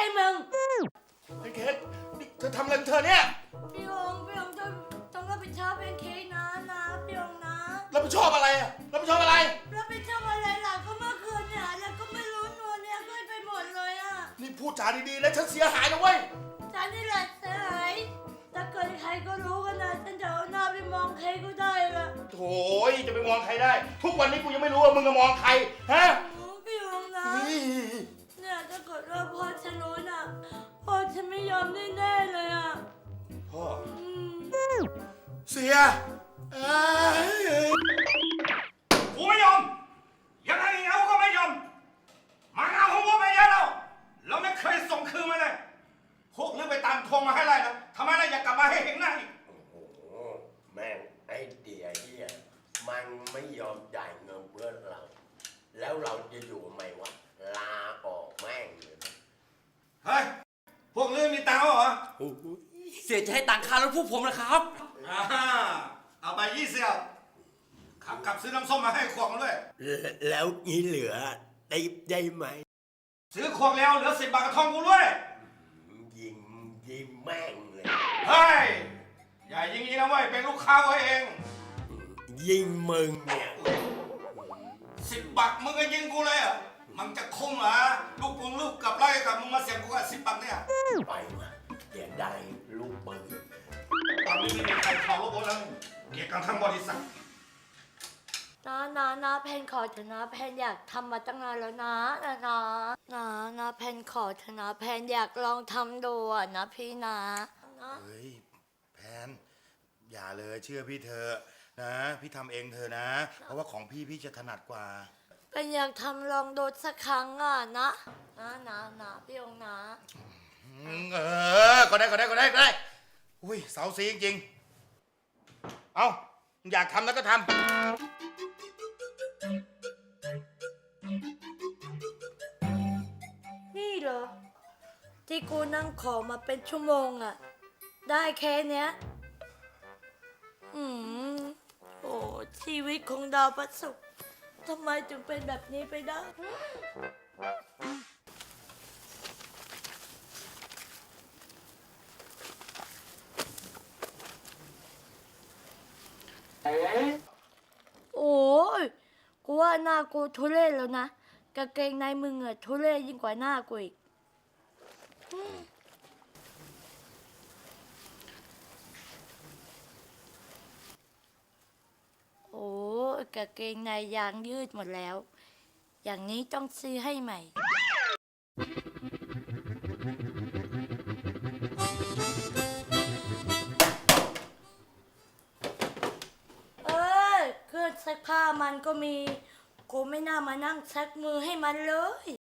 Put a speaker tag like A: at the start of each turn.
A: ช่มึง
B: ไอ้เค้กนี่เธอทำอะไรของเธอเนี่ย
A: พี่องต้องรับผิดชอบเป็นเค้กนะพี่องนะ
B: รับผิดชอบอะไรอะรับผิดชอบอะไร
A: รับผิดชอบอะไรล่ะก็เมื่อคืนเนี่ยแล้วก็ไม่รู้ตัวเนี่ยก็ไปหมดเลยอ่ะ
B: นี่พูดจาดีๆนะฉันเสียหายนะเว้ย
A: ฉันนี่แหละเสียหายถ้าเกิดใครก็รู้กันนะฉันจะเอาหน้าไปมองใครก็ได้ละ
B: โถ่จะไปมองใครได้ทุกวันนี้กูยังไม่รู้ว่ามึงจะมองใครฮะ
A: พี่องนะเนี่ยถ้าเกิดว่าพ่อฉันรู้น่ะพ่อฉันไม่ยอมแน่ๆเลยอ่ะ
B: พ่อเสีย
C: กูไม่ยอมยังไงเอาก็ไม่ยอมมาเอาของกูไปเยอะแล้วเราไม่เคยส่งคืนมาเลยพวกลือไปตามทวงมาให้ไรนะทำไมล่ะอยากกลับมาให้เห็นหน้าอีก
D: โอ้โหแม่งไอ้เดียเฮียมันไม่ยอมจ่ายเงินเพื่อนเราแล้วเราจะอยู่ไหมวะลาออกแม่งเลย
C: เฮ้ยพวกลือมีตังค์เหรอ
E: เสียจะให้ตังค่ารถพวกผมนะครับ
C: เอาไป20ขับกลับซื้อน้ำส้มมาให้ขวดมาด้วย
D: แล้วงี้เหลือได้ไหม
C: ซื้อขวดแล้วเหลือ10 บาทกับทองกูด้วย
D: ยิงแม่งเลย
C: เฮ้ยอย่ายิงนะเว้ยเป็นลูกค้าไว้เอง
D: ยิงมึงเนี่ย
C: 10 บาทมึงก็ยิงกูเลยเหรอมันจะคุ้มเหรอลูกกับไล่กับมึงมาเสียบกูกับ10 บาทเนี่ย
D: ไปมาอย่าได้ลูกปืน
C: ตอนนี้ไม่มีใครเขารถแล้วเกี่ยวกับทั้งบริษัท
A: นะแพนขอเถอะนะแพนอยากทำมาตั้งนานแล้วนะแพนขอเถอะนะแพนอยากลองทำดูนะพี่นะ
B: เฮ้ยแพนอย่าเลยเชื่อพี่เธอนะพี่ทำเองเธอนะเพราะว่าของพี่จะถนัดกว่า
A: แพนอยากทำลองดูสักครั้งนะพี่องนะ
B: ก็ได้อุ้ยเสาสีจริงๆเอาอยากทำแล้วก็ทำ
A: นี่เหรอที่กูนั่งขอมาเป็นชั่วโมงได้แค่เนี้ยโอ้ชีวิตของดาวพระศุกร์ทำไมจึงเป็นแบบนี้ไปได้โอ้ยกูว่าหน้ากูทุเรศแล้วนะกางเกงในมึงทุเรศยิ่งกว่าหน้ากูอีกโอ้กางเกงในยางยืดหมดแล้วอย่างนี้ต้องซื้อให้ใหม่เครื่องซักผ้ามันก็มีกูไม่น่ามานั่งซักมือให้มันเลย